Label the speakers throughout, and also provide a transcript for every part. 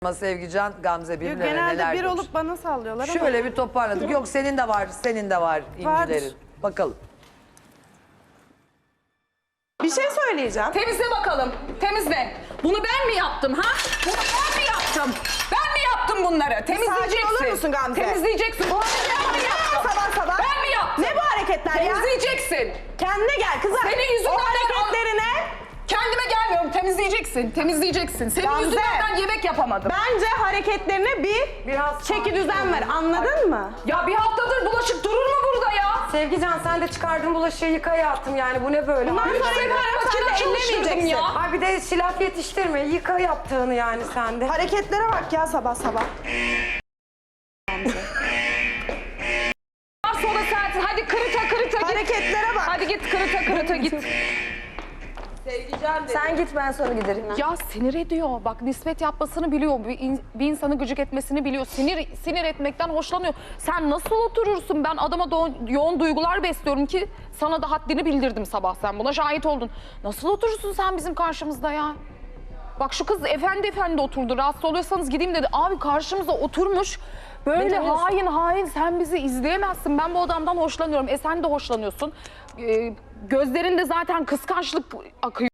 Speaker 1: Sevgican, Gamze birbirlerine neler
Speaker 2: Genelde bir
Speaker 1: demiş.
Speaker 2: olup bana sallıyorlar ama.
Speaker 1: Şöyle bir toparladık. Yok senin de var, senin de var incilerin. Bakalım.
Speaker 2: Bir şey söyleyeceğim.
Speaker 3: Temizle bakalım. Temizle. Bunu ben mi yaptım ha? Bunu ben mi yaptım? Ben mi yaptım bunları? Temizleyeceksin.
Speaker 2: Sakin olur musun Gamze?
Speaker 3: Temizleyeceksin. Bunu ben mi yaptım?
Speaker 2: Sabah sabah.
Speaker 3: Ben mi yaptım?
Speaker 2: Ne bu hareketler ya?
Speaker 3: Temizleyeceksin.
Speaker 2: Kendine gel kızım.
Speaker 3: Senin yüzünden
Speaker 2: o hareketlerine...
Speaker 3: Kendime gelmiyorum. Temizleyeceksin. Temizleyeceksin. Senin
Speaker 2: Gamze,
Speaker 3: yüzünden ben yemek yapamadım.
Speaker 2: Bence hareketlerine biraz çeki düzen ver. Anladın mı?
Speaker 3: Ya bir haftadır bulaşık durur mu burada ya?
Speaker 4: Sevgican sen de çıkardın bulaşığı yıka hayatım yani bu ne böyle?
Speaker 2: Bundan
Speaker 4: Ay,
Speaker 2: sonra
Speaker 3: Sen
Speaker 2: yaparım, sen de
Speaker 3: makine çalıştırdım
Speaker 2: ellemeyeceksin.
Speaker 3: ya.
Speaker 4: Ay bir de şilaf yetiştirme yıka yaptığını yani sen de.
Speaker 2: Hareketlere bak ya sabah sabah.
Speaker 3: Sonra sensin. Hadi kırıta git.
Speaker 2: Hareketlere bak.
Speaker 3: Hadi git kırıta git.
Speaker 4: Sen git ben sonra giderim.
Speaker 3: Ya sinir ediyor. Bak nispet yapmasını biliyor. Bir insanı gıcık etmesini biliyor. Sinir etmekten hoşlanıyor. Sen nasıl oturursun? Ben adama yoğun duygular besliyorum ki sana da haddini bildirdim sabah, sen buna şahit oldun. Nasıl oturursun sen bizim karşımızda ya? Bak şu kız efendi oturdu. Rahatsız oluyorsanız gideyim dedi. Abi karşımıza oturmuş. Böyle hain sen bizi izleyemezsin. Ben bu adamdan hoşlanıyorum. Sen de hoşlanıyorsun. Gözlerinde zaten kıskançlık akıyor.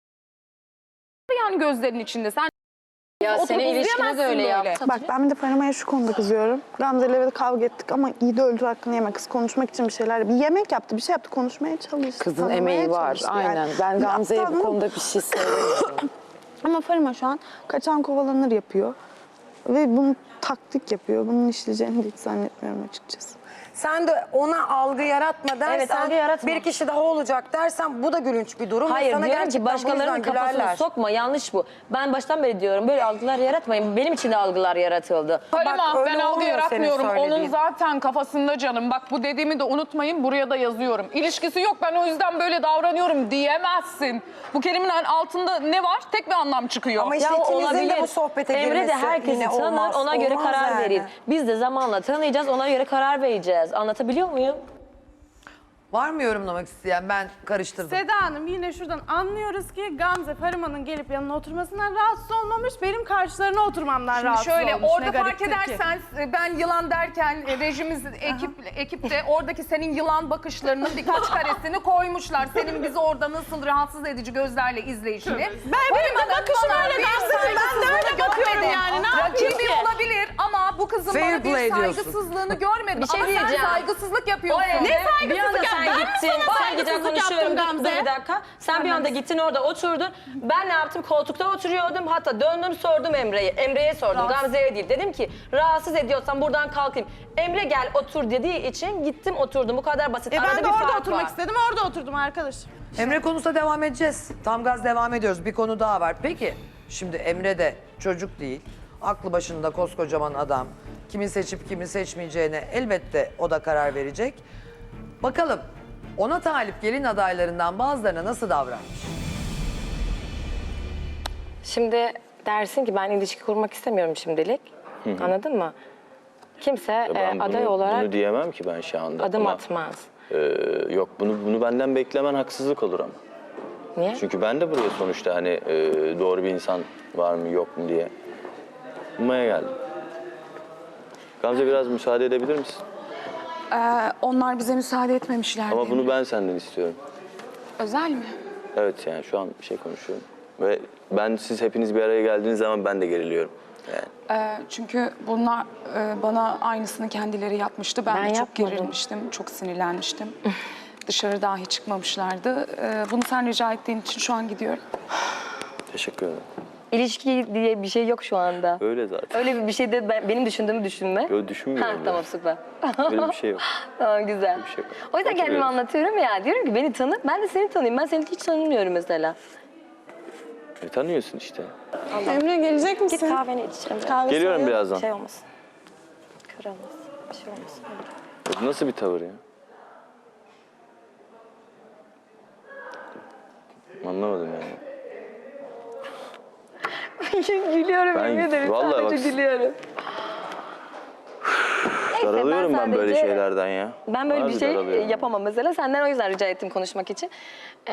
Speaker 3: Yani gözlerin içinde. Sen
Speaker 5: Ya senin ilişkine de öyle yaptı.
Speaker 6: Bak ben bir de Farima'ya şu konuda kızıyorum. Gamze'yle evet kavga ettik ama iyi de öldü hakkını yeme. Kız konuşmak için bir şeyler, bir yemek yaptı, bir şey yaptı, konuşmaya çalıştı.
Speaker 7: Kızın
Speaker 6: tanımaya
Speaker 7: emeği var,
Speaker 6: çalıştı
Speaker 7: aynen.
Speaker 6: yani.
Speaker 7: Ben Gamze'ye bu
Speaker 6: Aptal mı?
Speaker 7: konuda bir şey söylemiyorum.
Speaker 6: Ama Farima şu an kaçan kovalanır yapıyor. Ve bunu taktik yapıyor. Bunun işleyeceğini de hiç zannetmiyorum açıkçası.
Speaker 4: Sen de ona algı yaratma dersen,
Speaker 5: Evet, algı yaratma.
Speaker 4: bir kişi daha olacak dersen bu da gülünç bir durum.
Speaker 5: Hayır
Speaker 4: Sana
Speaker 5: diyorum
Speaker 4: gerçekten
Speaker 5: ki
Speaker 4: bu
Speaker 5: başkalarının
Speaker 4: yüzden
Speaker 5: kafasını
Speaker 4: gülerler.
Speaker 5: sokma, yanlış bu. Ben baştan beri diyorum böyle algılar yaratmayın. Benim için de algılar yaratıldı.
Speaker 3: Halima,
Speaker 4: öyle
Speaker 3: ben algı
Speaker 4: olmuyor
Speaker 3: yaratmıyorum.
Speaker 4: senin
Speaker 3: Onun
Speaker 4: söylediğin.
Speaker 3: zaten kafasında canım. Bak bu dediğimi de unutmayın, buraya da yazıyorum. İlişkisi yok, ben o yüzden böyle davranıyorum diyemezsin. Bu kelimenin altında ne var? Tek bir anlam çıkıyor.
Speaker 4: Ama işte ikinizin de bu sohbete
Speaker 5: Emre de
Speaker 4: girmesi
Speaker 5: herkesi
Speaker 4: yine
Speaker 5: tanır,
Speaker 4: olmaz,
Speaker 5: ona göre
Speaker 4: olmaz
Speaker 5: karar
Speaker 4: yani.
Speaker 5: verir. Biz de zamanla tanıyacağız, ona göre karar vereceğiz. Anlatabiliyor muyum?
Speaker 1: Var mı yorumlamak isteyen? Ben karıştırdım.
Speaker 2: Seda Hanım yine şuradan anlıyoruz ki Gamze Farima'nın gelip yanına oturmasından rahatsız olmamış. Benim karşılarına oturmamdan rahatsız
Speaker 3: Şöyle
Speaker 2: olmuş.
Speaker 3: orada
Speaker 2: Ne
Speaker 3: fark
Speaker 2: gariptir ki.
Speaker 3: edersen ben yılan derken rejimiz ekipte oradaki senin yılan bakışlarının birkaç karesini koymuşlar. Senin bizi orada nasıl rahatsız edici gözlerle izleyişini.
Speaker 2: Benim de bakışım öyle Gamze'cim, ben de öyle bakıyorum yani. Ne yapayım
Speaker 3: Rakibi
Speaker 2: ki?
Speaker 3: olabilir ama bu kızın
Speaker 1: Fair
Speaker 3: bana
Speaker 1: play
Speaker 3: bir
Speaker 1: diyorsun.
Speaker 3: saygısızlığını görmedim.
Speaker 5: Bir şey
Speaker 3: ama sen
Speaker 5: diyeceğim.
Speaker 3: saygısızlık yapıyorsun.
Speaker 2: Ne saygısızlık
Speaker 5: Bir anda
Speaker 2: yaptın?
Speaker 5: sen
Speaker 2: Ben mi
Speaker 5: gittin,
Speaker 2: sana
Speaker 5: sen gideceksin
Speaker 2: saygısızlık
Speaker 5: konuşuyorum.
Speaker 2: yaptım
Speaker 5: Dur
Speaker 2: Gamze?
Speaker 5: bir dakika. Sen bir anda gittin orada oturdun. Ben ne yaptım? Koltukta oturuyordum. Hatta döndüm sordum Emre'ye. Emre'ye sordum. Gamze'ye değil. Dedim ki rahatsız ediyorsan buradan kalkayım. Emre gel otur dediği için gittim oturdum. Bu kadar basit.
Speaker 2: Ben
Speaker 5: Arada
Speaker 2: de
Speaker 5: bir
Speaker 2: orada
Speaker 5: fark
Speaker 2: oturmak
Speaker 5: var.
Speaker 2: istedim, orada oturdum arkadaş.
Speaker 1: Emre konusuna devam edeceğiz. Tam gaz devam ediyoruz. Bir konu daha var. Peki şimdi Emre de çocuk değil. Aklı başında koskocaman adam. Kimi seçip kimi seçmeyeceğine elbette o da karar verecek. Bakalım ona talip gelin adaylarından bazılarına nasıl davranmış?
Speaker 5: Şimdi dersin ki ben ilişki kurmak istemiyorum şimdilik. Anladın mı? Kimse
Speaker 8: Ben
Speaker 5: aday
Speaker 8: bunu,
Speaker 5: olarak
Speaker 8: bunu diyemem ki ben şu anda.
Speaker 5: adım
Speaker 8: Ama,
Speaker 5: atmaz.
Speaker 8: yok bunu benden beklemen haksızlık olur ama.
Speaker 5: Niye?
Speaker 8: Çünkü ben de buraya sonuçta hani doğru bir insan var mı yok mu diye bulmaya geldim. Gamze biraz müsaade edebilir misin?
Speaker 3: Onlar bize müsaade etmemişler.
Speaker 8: Ama bunu ben senden istiyorum.
Speaker 3: Özel mi?
Speaker 8: Evet yani şu an bir şey konuşuyorum. Ve siz hepiniz bir araya geldiğiniz zaman ben de geriliyorum. Yani.
Speaker 9: Çünkü bunlar bana aynısını kendileri yapmıştı. Ben de çok
Speaker 5: yapmadım.
Speaker 9: gerilmiştim, çok sinirlenmiştim. Dışarı dahi çıkmamışlardı. Bunu sen rica ettiğin için şu an gidiyorum.
Speaker 8: Teşekkür ederim.
Speaker 5: İlişki diye bir şey yok şu anda.
Speaker 8: Öyle zaten.
Speaker 5: Öyle bir şey de benim düşündüğümü düşünme.
Speaker 8: Yo, düşünmüyorum
Speaker 5: Ha,
Speaker 8: ya.
Speaker 5: tamam süper.
Speaker 8: Öyle bir şey yok.
Speaker 5: Tamam güzel.
Speaker 8: Bir şey yok.
Speaker 5: O yüzden kendimi
Speaker 8: Hatırlıyorum.
Speaker 5: anlatıyorum ya. Diyorum ki beni tanı, ben de seni tanıyayım. Ben seni hiç tanımıyorum mesela.
Speaker 8: Tanıyorsun işte.
Speaker 6: Emre gelecek
Speaker 5: Git
Speaker 6: misin?
Speaker 5: kahveni iç. Emre.
Speaker 6: Kahve
Speaker 8: Geliyorum
Speaker 6: söyle.
Speaker 8: birazdan.
Speaker 5: Şey olmasın. Kırılmasın. Bir şey olmasın.
Speaker 8: Bu nasıl bir tavır ya? Anlamadım yani.
Speaker 5: Gülüyorum
Speaker 8: Ben-
Speaker 5: yemin ederim.
Speaker 8: vallahi
Speaker 5: Sadece
Speaker 8: bak-
Speaker 5: gülüyorum.
Speaker 8: Daralıyorum ben böyle
Speaker 5: sadece-
Speaker 8: şeylerden ya.
Speaker 5: Ben böyle
Speaker 8: Harbi
Speaker 5: bir şey
Speaker 8: daralıyorum.
Speaker 5: yapamam mesela. Senden o yüzden rica ettim konuşmak için.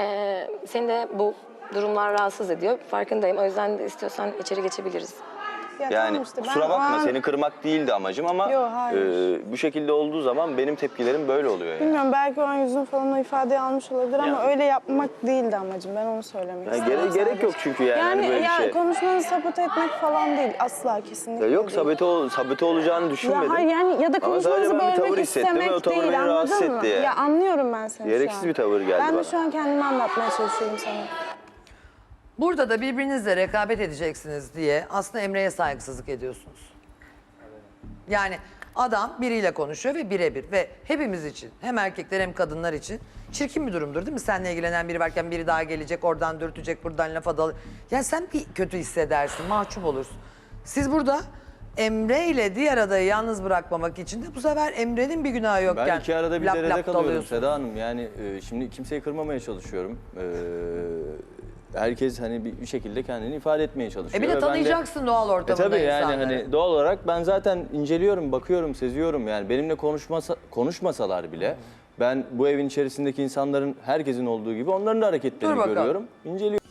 Speaker 5: Seni de bu durumlar rahatsız ediyor. Farkındayım. O yüzden de istiyorsan içeri geçebiliriz.
Speaker 6: Ya
Speaker 8: Yani
Speaker 6: tamam işte, ben
Speaker 8: kusura
Speaker 6: o
Speaker 8: bakma
Speaker 6: an-
Speaker 8: seni kırmak değildi amacım ama
Speaker 6: Yo, hayır.
Speaker 8: bu şekilde olduğu zaman benim tepkilerim böyle oluyor yani.
Speaker 6: Bilmiyorum, belki o an yüzün falan o ifadeyi almış olabilir ama
Speaker 8: Yani-
Speaker 6: öyle yapmak değildi amacım. Ben onu söylemek
Speaker 8: Yani
Speaker 6: istedim.
Speaker 8: gerek yok çünkü yani,
Speaker 6: Yani
Speaker 8: hani böyle bir şey.
Speaker 6: konuşmanı sabote etmek falan değil. Asla, kesinlikle
Speaker 8: Ya yok
Speaker 6: değil.
Speaker 8: sabote olacağını düşünmedim.
Speaker 6: Ya hayır, yani ya da
Speaker 8: Ama sadece
Speaker 6: konuşmanızı
Speaker 8: ben bir tavır
Speaker 6: bölmek
Speaker 8: hissettim ve o
Speaker 6: istemek
Speaker 8: tavır
Speaker 6: değil,
Speaker 8: beni rahatsız
Speaker 6: anladın mı?
Speaker 8: etti yani.
Speaker 6: Ya anlıyorum ben seni
Speaker 8: Gereksiz
Speaker 6: şu an.
Speaker 8: bir tavır geldi
Speaker 6: Ben
Speaker 8: bana.
Speaker 6: de şu an kendimi anlatmaya çalışıyorum sana.
Speaker 1: Burada da birbirinizle rekabet edeceksiniz diye aslında Emre'ye saygısızlık ediyorsunuz. Yani adam biriyle konuşuyor ve birebir ve hepimiz için hem erkekler hem kadınlar için çirkin bir durumdur değil mi? Seninle ilgilenen biri varken biri daha gelecek, oradan dürtecek, buradan lafa dal. Yani sen bir kötü hissedersin, mahcup olursun. Siz burada Emre ile diğer adayı yalnız bırakmamak için de bu sefer Emre'nin bir günahı yokken
Speaker 8: Ben iki arada bir
Speaker 1: lap
Speaker 8: derede
Speaker 1: lap
Speaker 8: kalıyorum
Speaker 1: dalıyorsun.
Speaker 8: Seda Hanım. Yani şimdi kimseyi kırmamaya çalışıyorum. Herkes hani bir şekilde kendini ifade etmeye çalışıyor.
Speaker 1: Bir
Speaker 8: ve
Speaker 1: de
Speaker 8: ben
Speaker 1: tanıyacaksın doğal ortamında
Speaker 8: tabii yani
Speaker 1: insanları.
Speaker 8: hani doğal olarak ben zaten inceliyorum, bakıyorum, seziyorum. Yani benimle konuşmasalar bile ben bu evin içerisindeki insanların herkesin olduğu gibi onların da hareketlerini
Speaker 1: Dur bakalım.
Speaker 8: görüyorum, inceliyorum.